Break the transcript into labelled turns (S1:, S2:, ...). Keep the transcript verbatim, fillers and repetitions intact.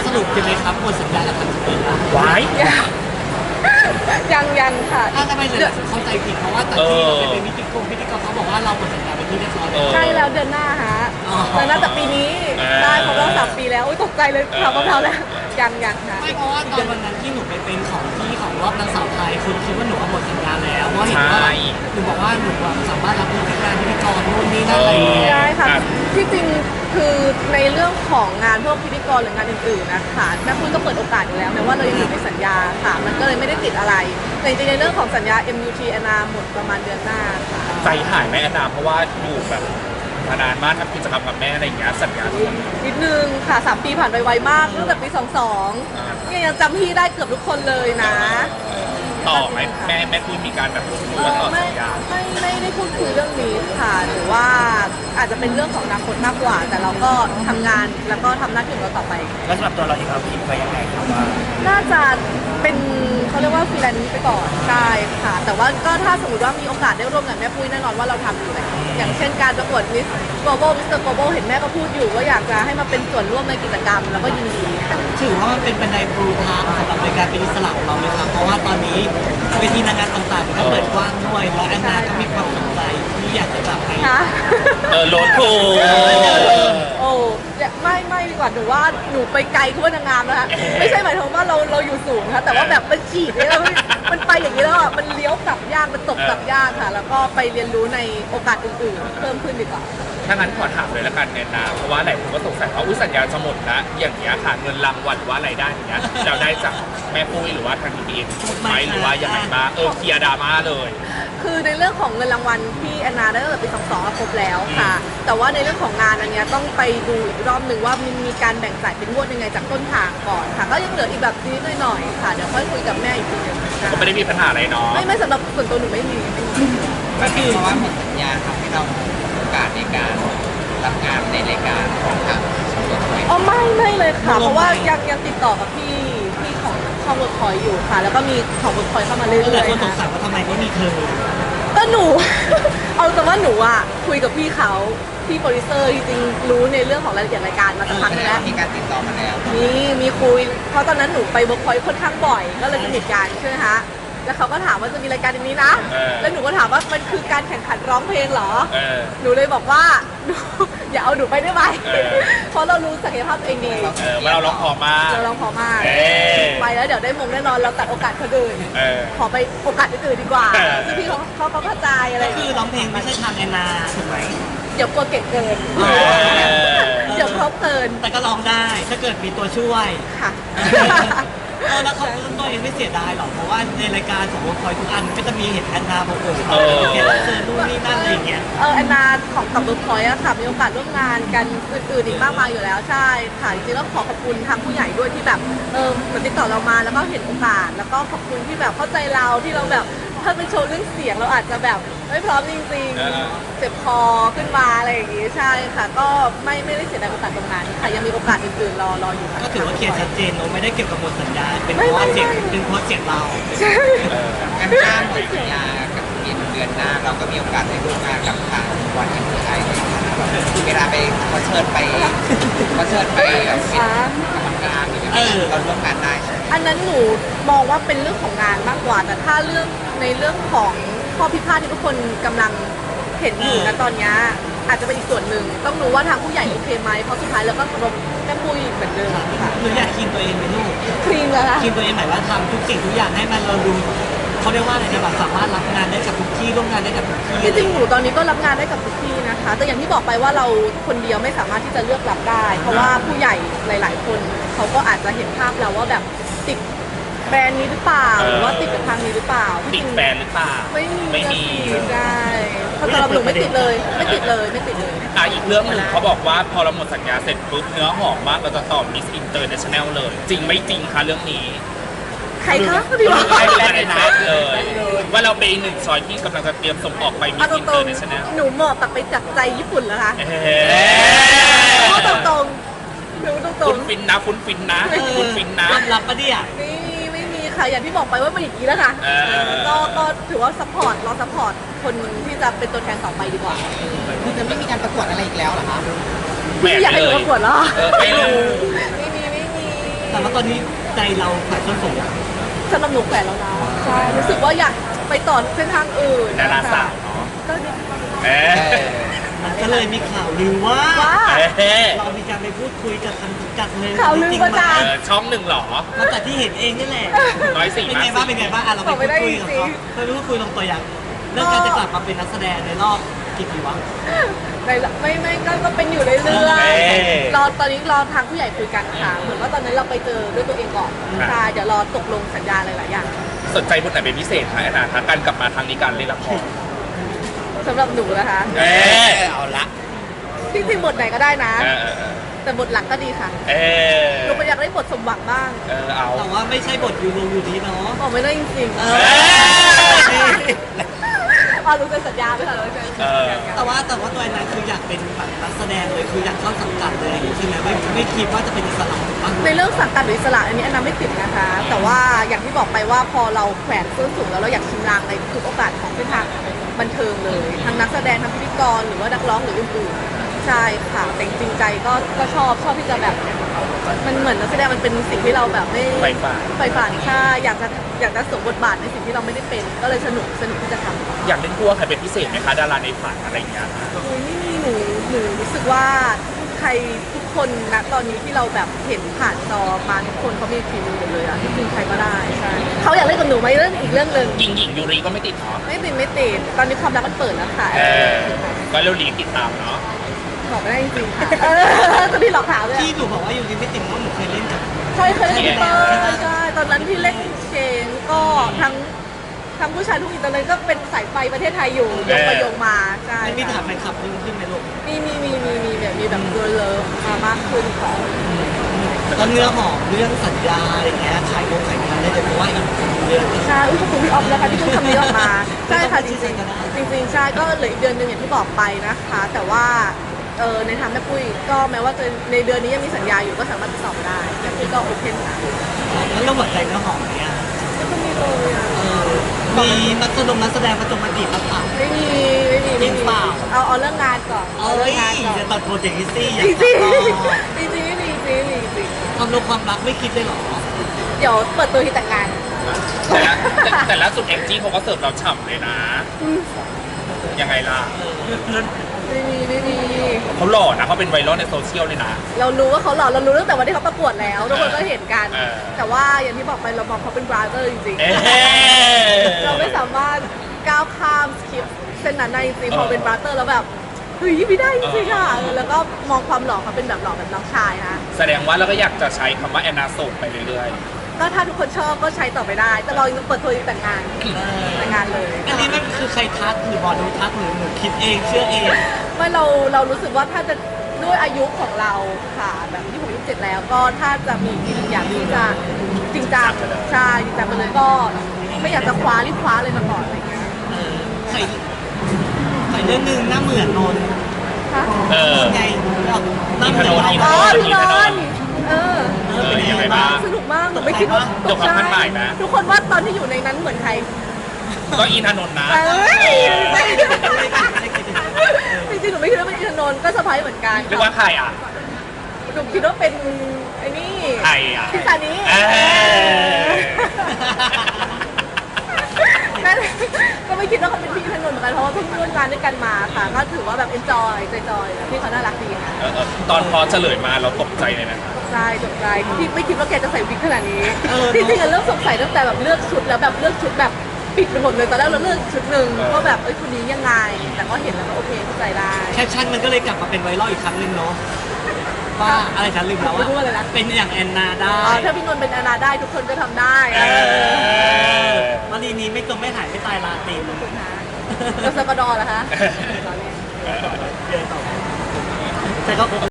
S1: รุปกันเลยครับหมดสัญญากับทางสปีดแล้ว
S2: ไว้
S3: ยังยังค่ะ
S1: ถ้าทำไมเลยเข้าใจผิดเพราะว่าตอนที่เราเป็นพิธีกรพิธีกรเขาบอกว่าเราหมดสัญญาไปที่เรียบร้อยแล้ว
S3: ใกล้แล้วเดือนหน้าฮะเดือนหน้าแต่ปีนี้ได้ครบรอบสามปีแล้วอุ้ยตกใจเลยข่าวกับเราแล้วยังยังค่ะ
S1: ไม่เพราะว่าตอนวันนั้นที่หนูไปเป็นของที่ของรอบนางสาวไทยคุณคิดว่าหนูหมดสัญญาแล้วเพราะเห็นว่าหนูบอกว่าหนูสามารถรับงานพิธีกรนู่นนี่นั่นอะไรอย่างเงี้ย
S3: ได้ค่ะที่จริงคือในเรื่องของงานพวกพิธีกรหรืองานอื่นๆนะคะแม่ปุ้ยก็เปิดโอกาสอยู่แล้วแม้ว่าเรายังอยู่ในสัญญาค่ะ มันก็เลยไม่ได้ติดอะไรแต่จริงๆในเรื่องของสัญญา เอ็ม ยู ที แอนนาหมดประมาณเดือนหน้าค่ะ
S2: ใจหายไหมแอนนาเพราะว่าอยู่แบบมานานมากทำกิจกรรมกับแม่อะไรอย่างเงี้ยสัญญา
S3: นิดนึงค่ะสามปีผ่านไปไวมากตั้งแต่ปีสองสองเนี่ยยังจำพี่ได้เกือบทุกคนเลยนะ
S2: ต่อไหมแม่แม่คุยมีการแบบพูดคุยว่าต่อ
S3: ไม่
S2: สัญญา
S3: ไม่ไม่ได้พูดคุยเรื่องนี้ค่ะหรือว่าอาจจะเป็นเรื่องของอนาคตมากกว่า แต่เราก็ทำงานแล้วก็ทำหน้าที่ของเราต่อไป
S4: แล้วสำหรับตัวเราเองเราคิดไว้ยังไงครับว่า
S3: น่าจะเป็นเขาเรียกว่าฟรีแลนซ์ไปก่อนใช่ค่ะ แต่ว่าก็ถ้าสมมติว่ามีโอกาสได้ร่วมกับแม่ปุ้ยแน่นอนว่าเราทำอยู่แล้วอย่างเช่นการประกวดมิสโกลบอลมิสเตอร์โกลบอลเห็นแม่ก็พูดอยู่ว่าอยากจะให้มาเป็นส่วนร่วมในกิจกรรมแล้วก็ยินดีค่ะ
S1: ถือว่ามันเป็นบันไดปูทางสำหรับในการเป็นอิสระของเราไหมครับเพราะว่าตอนนี้เวทีนางงามต่างๆมันก็เปิดกว้างด้วยแล้วแอนนาก็มีความสนใจที่อยากจะจับไป
S3: ค่ะ
S2: เออโลดโผ
S3: โอ้ไม่ไม่ดีกว่าหนูว่าหนูไปไกลทั่วนางงามนะคะไม่ใช่หมายถึงว่าเราเราอยู่สูงนะคะแต่ว่าแบบมันฉีดเนี่ยมันมันไปอย่างนี้แล้วอ่ะมันเลี้ยวกลับยากมันตกกลับยากค่ะ แล้วก็ไปเรียนรู้ในโอกาสอื่นๆ เพิ่มขึ้นดีกว่า
S2: ถ้างั้นขอถามเลยละกันแอนนาเพราะว่าหลายคนก็สงสัยว่าอุ้ยสัญญาจะหมดแล้วอย่างเงี้ยค่ะเงินรางวัลหรือว่ารายได้อย่างเงี้ยเราได้จากแม่ปุ้ยหรือว่าทางทีพีเอ็นไหมหรือว่ายังไงบ้างเออเคลียร์ดราม่าเลย
S3: คือในเรื่องของเงินรางวัลที่แอนนาได้ตั้งแต่ปีสองสองครบแล้วค่ะ แต่ว่าในเรื่องของงานอันเนี้ยต้องไปดูอีกรอบหนึ่งว่ามันมีการแบ่งจ่ายเป็นงวดยังไงจากต้นทางก่อนค่ะ ก็ยังเหลืออีกแบบนิดหน่อยๆค่ะ เดี๋ยวค่อยคุยกับแม่อีกทีหนึงค่ะ
S2: ก็ไม่ได้มีปัญหาอะไรเนาะ
S3: ไม่ไม่สำหรับส่วนตัวหนูไม่มีไม่มี
S4: ก็คือเพราะว่าหมดสัญญาทำให้เราโอกาสในการรับงานในรายการของทางสำรวจไว้
S3: อ๋อไม่ไม่เลยค่ะ เพราะว่ายังยังติดต่อกับพี่พี่ของช่องเวิร์คพอยอยู่ค่ะ แล้วก็มีของเวิร์คพอยเข้ามาเรื่
S1: ก็หลา
S3: อย ย
S1: คนสง
S3: ๆ
S1: สั
S3: ค่ะ
S1: ยว่าทำไมไม่มีเธอ
S3: ก็หนู เอาแต่ว่าหนูอ่ะคุยกับพี่เขาพี่โปรดิวเซอร์จริงๆรู้ในเรื่องของรายละเอียดรายการมาสักพักนึงแล้ว
S4: มีการติดต่อมาแล้ว
S3: มีมีคุย เพราะตอนนั้นหนูไปเวิร์คพอยต์ค่อนข้างบ่อย ก็เลยสนิทกันใช่ไหมคะแล้วเขาก็ถามว่าจะมีรายการอย่างนี้นะ แล้วหนูก็ถามว่ามันคือการแข่งขันร้องเพลงเหรอ
S2: เออ
S3: หนูเลยบอกว่า หนูอย่าเอาหนูไปได้ไหม
S2: เออ
S3: เพราะเรารู้ศักยภาพตัวเองดี
S2: เออว่าเราร้องพอมาก
S3: เราร้องพอมาก
S2: เออ
S3: ไปแล้วเดี๋ยวได้มงแน่นอนเราตัดโอกาสคนอื่น
S2: เออ
S3: ขอไปโอกาสอื่นๆดีกว่า
S2: เออ
S3: ซึ่งพี่เขาเขาเขาเข้าใจอะไร
S1: ก็คือร้องเพลงไม่ใช่ทางแอนนาถูกไหม
S3: เดี๋ยวกลัวเก่งเกิน
S2: เออ
S3: เดี๋ยวครบเกิน
S1: แต่ก็ร้องได้ถ้าเกิดมีตัวช่วย
S3: ค่ะ
S1: เออแล้วเขาตัวเองไม่เสียดายหรอกเพราะว่าในรายการของวงคอยทุกอันก็จะมีเห็นแอนนาบอกเออเขาเห็นเจอนู่นนี่นั่นอะไรอย่างเงี้ย
S3: เออแอนนาของกับเบิร์กพอยต์อะค่ะมีโอกาสร่วมงานกันอื่นๆอีกมากมายอยู่แล้วใช่ค่ะจริงๆแล้วขอขอบคุณทางผู้ใหญ่ด้วยที่แบบเออเหมือนติดต่อเรามาแล้วก็เห็นโอกาส แล้วก็ขอบคุณที่แบบเข้าใจเราที่เราแบบถ้าเป็นโชว์เรื่องเสียงเราอาจจะแบบไม่พร้อมจริง
S2: เออ
S3: ๆเจ็บคอขึ้นมาอะไรอย่างงี้ใช่ค่ะ ก็ไม่ไม่ได้เสียดายโอกาสตรงนั้นค่ะยังมีโอกาสอื่นๆรอรออยู่ค่ะ
S1: ก็ถือว่าเคลียร์ชัดเจนเราไม่ได้เกี่ยวกับหมดสัญญาเป็นเพราะว่าเสียงเป็นเพราะเสียงเรา
S3: ใช่
S4: การจ้างหมดสัญญากับเดือนเดือนหน้าเราก็มีโอกาสได้ร่วมงานกับทางวันเอ็มพีไอเวลาไปเขาเชิญไปเขาเชิญไปแบบเป็นกรรมการหรืออะไรเราร่วมงานได้ใช่ไหม
S3: อันนั้นหนูมองว่าเป็นเรื่องของงานมากกว่า แต่ถ้าเรื่องในเรื่องของข้อพิพาทที่ทุกคนกำลังเห็นอยู่นะตอนนี้อาจจะเป็นอีกส่วนหนึ่งต้องรู้ว่าทางผู้ใหญ่โอเคไหมเพราะสุดท้ายแล้วก็เคารพแม่ปุ้ยเหมือนเดิมค่ะ
S1: หนูอยากคีนตัวเองไหมลูก
S3: คลีนแล้วนะ
S1: คีนตัวเองหมายว่าทำทุกสิ่งทุกอย่างให้มันเราดูเขาเรียกว่าอะไรนะแบบสามารถรับงานได้กับทุกที่ร่วมงานได้กับทุกที่
S3: จริงๆหนูตอนนี้ก็รับงานได้กับทุกที่นะคะ แต่อย่างที่บอกไปว่าเราคนเดียวไม่สามารถที่จะเลือกรับได้ เพราะว่าผู้ใหญ่หลาย ๆ คนเขาก็อาจจะเห็นภาพเราว่าแบบติดแบรนด์นี้หรือเปล่าหรือว่าติดกับทางนี้หรือเปล่า
S2: ติดแฟนหรือเปล่า
S3: ไม่มี
S2: ไม่มี
S3: ใช่เพราะสำหรับหนูไม่ติดเลย ไม่ติดเลยไม่ติดเลย
S2: อ่ะอีกเรื่องหนึ่งเขาบอกว่าพอเราหมดสัญญาเสร็จปุ๊บเนื้อหอมมากเราจะต่อมิสอินเตอร์เนชั่นแนลเลย จริงไม่จริงคะเรื่องนี้
S3: ใครคะพี่บอก
S2: ไม่รู้ในเฟซเลย ว่าเราเป็นหนึ่งซอยที่กำลังจะเตรียมส่งออกไปมิ
S3: เอา
S2: ส
S3: ต
S2: อินเต
S3: ร
S2: อง ร์เนชั่นแนล
S3: ๆหนูเหมาะกับไปจับใจญี่ปุ่นแล้วค่ะ
S2: เฮ้
S3: พูดตรงๆหนูตร
S2: คุ
S3: ง
S2: ณฟินนะคุณฟินนะคุณฟินนะ
S1: ยอมรับปะเนี่ย
S3: ๆไม่มีไม่มีค่ะอย่างที่บอกไปว่ามันอย่างนี้แล้วค่ะ
S2: เออ
S3: ก็ก็ถือว่าซัพพอร์ตรอซัพพอร์ตคนที่จะเป็นตัวแทนต่อไปดีกว่า
S4: คือจะไม่มีการประกวดอะไรอีกแล้วเหรอคะ
S2: แหวก
S3: อยากให้
S2: เล
S3: หนู
S2: ย
S3: ประกวดเหรอ
S2: เออไม่รู้
S3: ไม่มีไม่มี
S1: แต่ว่าตอนนี้ใจเราฝ่ายส้นสูงอะ
S3: สำหรับหนูแขวนแล้วนะใช่รู้สึกว่าอยากไปต่อเส้นทางอื่น
S2: ดาราสาวเนาะ
S3: ก็ดี
S2: เอ๊ะ
S1: มันก็เลยมีข่าวลือว่า
S3: ว่า
S2: เอ๊ะ
S1: เรามีการไปพูดคุยกับทางจัดเลย
S3: ข่าวลือ
S1: จริง
S3: ประ
S1: ไหม
S3: จาน
S2: เออช่องหนึ่งเหรอ
S1: มาจากที่เห็นเองนี่แหละ
S2: ร้อยสี่
S1: เป็นไงบ้างเป็นไงบ้างอ่ะเราไปพูดคุยกับเขาไปพูดคุยลงตัวอย่างเรื่องการจะกลับมาเป็นนักแสดงในรอบกี่ปีวะ
S3: ในไม่ไม่ก็ก็เป็นอยู่เรื่อยๆรอตอนนี้รอทางผู้ใหญ่คุยกันค่ะเหมือนว่าตอนนั้นเราไปเจอด้วยตัวเองก่อนใช่เดี๋ยวรอตกลงสัญญาหลายๆอย่าง
S2: สนใจบทไหนเป็นพิเศษไหมแอนนาคะการกลับมาครั้งนี้การเล่นละคร
S3: สำหรับหนูนะคะ
S2: เอ๊ะ
S4: เอาละ
S3: จริงๆบทไหนก็ได้นะ
S2: เออเออ
S3: แต่บทหลักก็ดีค่ะ
S2: เออ
S3: หนูก็อยากได้บทสมหวังบ้าง
S2: เออเอา
S1: แต่ว่าไม่ใช่บทยูโรอยู่ดีเนาะ
S3: บอกไม่ได้จริง
S1: เอ
S3: ๆ
S1: อ
S3: อ๋อรู้เป็นสัญญาไหมคะรู้เป็นสัญญากัน
S1: แต่ว่าแต่ว่าตัวแอนนาคืออยากเป็นแบบนักแสดงเลยคืออยากเข้าสังกัดเลยอย่างนี้ใช่ไหมไม่ไม่คิดว่าจะเป็นอิสระถูกปะ
S3: ในเรื่องสังกัดหรืออิสระอันนี้อันนั้นไม่ติดนะคะ แต่ว่าอย่างที่บอกไปว่าพอเราแขวนส้นสูงแล้วเราอยากชิมลางในทุกโอกาสของเส้นทางบันเทิงเลยทั้งนักแสดงทั้งพิธีกรหรือว่านักร้องหรืออื่นๆใช่ค่ะแต่จริงๆใจก็ก็ชอบชอบที่จะแบบมันเหมือนนักแสดงมันเป็นสิ่งที่เราแบบไม่
S2: ไฟฟ้า
S3: ไฟฝันใช่อยากจะอยากจะสวมบทบาทในสิ่งที่เราไม่ได้เป็น ก็เลยสนุกสนุกที่จะทำ
S2: อยากเล่นคู่กับใครเป็นพิเศษไหมคะดาราในฝันอะไรอย่างเงี้ย
S3: โอ้ยไม่มีหนูหนูรู้สึกว่าใครทุกคนณตอนนี้ที่เราแบบเห็นผ่านจอมาทุกคนเขามีฝีมือหมดเลยอะที่จริงใครก็ได้ใช่เขาอยากเล่นกับหนูไหมเรื่องอีกเรื่องหนึ่ง
S2: หญิงหญิงยูริก็ไม่ติดเนาะ
S3: ไม่ติดไม่ติดตอนนี้ความรักมันเปิดแล้วค่ะ
S2: เออก็เร็วรีติดตามเนาะ
S3: บอกไม่ได้จริงๆค่ะเออจะพี่หลอกถามเลย
S1: ที่หนูบอกว่าอยู่ดีไม่ติดเพราะหนูเคยเล่นกับ
S3: ใช่เคยเล่นกับพี่เปิ้ลใช่ตอนนั้นที่เล่นเชงก็ทั้งทั้งผู้ชายทุกอีกตอนนั้นก็เป็นสายไฟประเทศไทยอยู่โยงไปโยงมาใช่
S1: ไม่มีถามแฟนคลับเพิ่มขึ้นไหมลูก
S3: มีมีมีมีมีแบบมีแบบเกิร์ลเลิฟมามากขึ้นค่ะ
S1: ตอนเนื้อหอมเรื่องสัญญาอะไรเงี้ยขายโงขายงานได้เลยเพราะว่าอีกเดือน
S3: ใช่อุ้ยขอบคุณพี่ออฟนะคะที่เพิ่งทำนี้ออกมา ใช่ค่ะจริง
S1: ก็ได้
S3: ๆจริงๆใช่ก็เหลืออีกเดือนหนึ่งอย่างที่บอกไปนะคะ แต่ว่าเออในทางแม่ปุ้ยก็แม้ว่าจะในเดือนนี้ยังมีสัญญาอยู่ก็สามารถติดต่อมาได้แม่ปุ้ยก็โอเพนค่ะ
S1: แล้วเราหมดใจเนื้อหอมเนี่ย
S3: แล้วก็มีเลยอ่ะ
S1: เออมีนักแสดงนักแสดงประจงมาจีบมาถาม
S3: ไม่มีไม่มีไม่
S1: จริ
S3: มี
S1: งเปล่า
S3: เอาเอาเรื่องงานก่อน
S1: เอ้
S3: เรื่
S1: ย
S3: งานก่อน
S1: จะตัดโปรเจกต์ฮิซี่อ
S3: จ
S1: ยา
S3: ริ
S1: ก
S3: งจริง
S1: ตัดต่อ
S3: จริงจริงจริงจริงจริง
S1: ความรักความรักไม่คิดเลยเหรอ
S3: เดี๋ยวเปิดตัวที่แต่งงาน
S2: แต่ละแต่แต่ล่าสุดแองจี้เขาก็เสิร์ฟเราฉ่ำเลยนะ
S3: อืม
S2: ยังไงล่ะ
S3: ไม่มีไม่มี
S2: เขาหล่อนะเขาเป็นไวรัลในโซเชียลเลยนะ
S3: เรารู้ว่าเขาหล่อเรารู้ตั้งแต่วันที่เขาประกวดแล้วทุกคนก็เห็นกัน
S2: เออ
S3: แต่ว่าอย่างที่บอกไปเรามองเขาเป็นบราเ h อร์จริง
S2: เอ๊ะ
S3: ๆเราไม่สามารถก้าวข้ามสคริปต์เส้นนั้นได้จริงๆพอเป็นบราเ h อร์แล้วแบบเฮ้ยไม่ได้จริงๆค่ะเออแล้วก็มองความหล่อเขาเป็นแบบหล่อแบบน้องชายนะ
S2: แสดงว่าเราก็อยากจะใช้คำว่าแอนนาส่งไปเรื่อย
S3: ก็ถ้าทุกคนชอบก็ใช้ต่อไปได้ แต่เรายังเปิดตัวแต่งงานแต่งงานเลย
S1: อันนี้มันคือใครทักหรือหมอดูทักหรือหนูคิดเองเชื่อเอง
S3: ไม่เราเรารู้สึกว่าถ้าจะด้วยอายุของเราค่ะแบบที่ผมอายุเจ็ดแล้วก็ถ้าจะมีจริงอยากที่จะจริงจังใช่จริงจังไปเลยก็ไม่อยากจะคว้ารีบคว้าเลยมาก่อนอะไรอย่างเงี้ย
S1: เออใครใครเรื่องหนึงหน้าเหมือนนนท์
S3: ฮะ
S2: ๆ เออ
S1: ไงหน้าเหมือนนนท์
S2: อี
S3: อ๋อ
S2: ถนน
S3: พี่นนท์เออ
S1: เออเป็นยังไงบ้าง
S3: สนุกมากหนูไม่คิดว่า
S2: จบความคาดหมายนะ
S3: ทุกคนว่าตอนที่อยู่ในนั้นเหมือนใคร
S2: ก็อินทนนท์นะ
S3: เอ้ยไม่
S1: ไม่ได้ไม่ได้คิดถึง
S3: จริงๆหนูไม่คิดว่าเป็นอินทนนท์ก็เซอร์ไพรส์เหมือนกัน
S2: เรียกว่าใครอ่ะ
S3: หนูคิดว่าเป็นไอ้นี่
S2: ใครอ่ะ
S3: พี่ซานี้
S2: เอ้ย
S3: นั่นก็ไม่คิดว่าเขาเป็นพี่อินทนนท์เหมือนกันเพราะว่าเพิ่งร่วมงานด้วยกันมาค่ะ ก็ถือว่าแบบ enjoy จอยๆพี่เขาน่ารักดีค่ะ
S2: เออเออตอนพอเฉลยมาเราตกใจเลยนะ
S3: ตกใจตกใจที่ไม่คิดว่าแกจะใส่วิกขนาดนี้
S1: เออ
S3: จริงๆอะเริ่มสงสัยตั้งแต่แบบเลือกชุดแล้วแบบเลือกชุดแบบปิดไปหมดเลยตอนแรกเราเลือกชุดหนึ่งว่าแบบเอ้ยคนนี้ยังไง แต่ก็เห็นแล้วก็โอเคเข้าใจได้
S1: แคปชั่นมันก็เลยกลับมาเป็นไวรัลอีกครั้งหนึงเนาะว่าอะไรฉันลืมแล้ว
S3: ไม่รู้ว่าอะไรนะ
S1: เป็นอย่างแอนนาได้
S3: อ๋อถ้าพี่นนท์เป็นอาณาได้ทุกคนก็ทำได้
S2: เออ
S1: มารีนี้ไม่จมไม่หายไม่ตายลาตีน
S3: คุณคะแล้วสกดอเหรอคะ
S2: เออ
S1: เดินต่อแต่ก็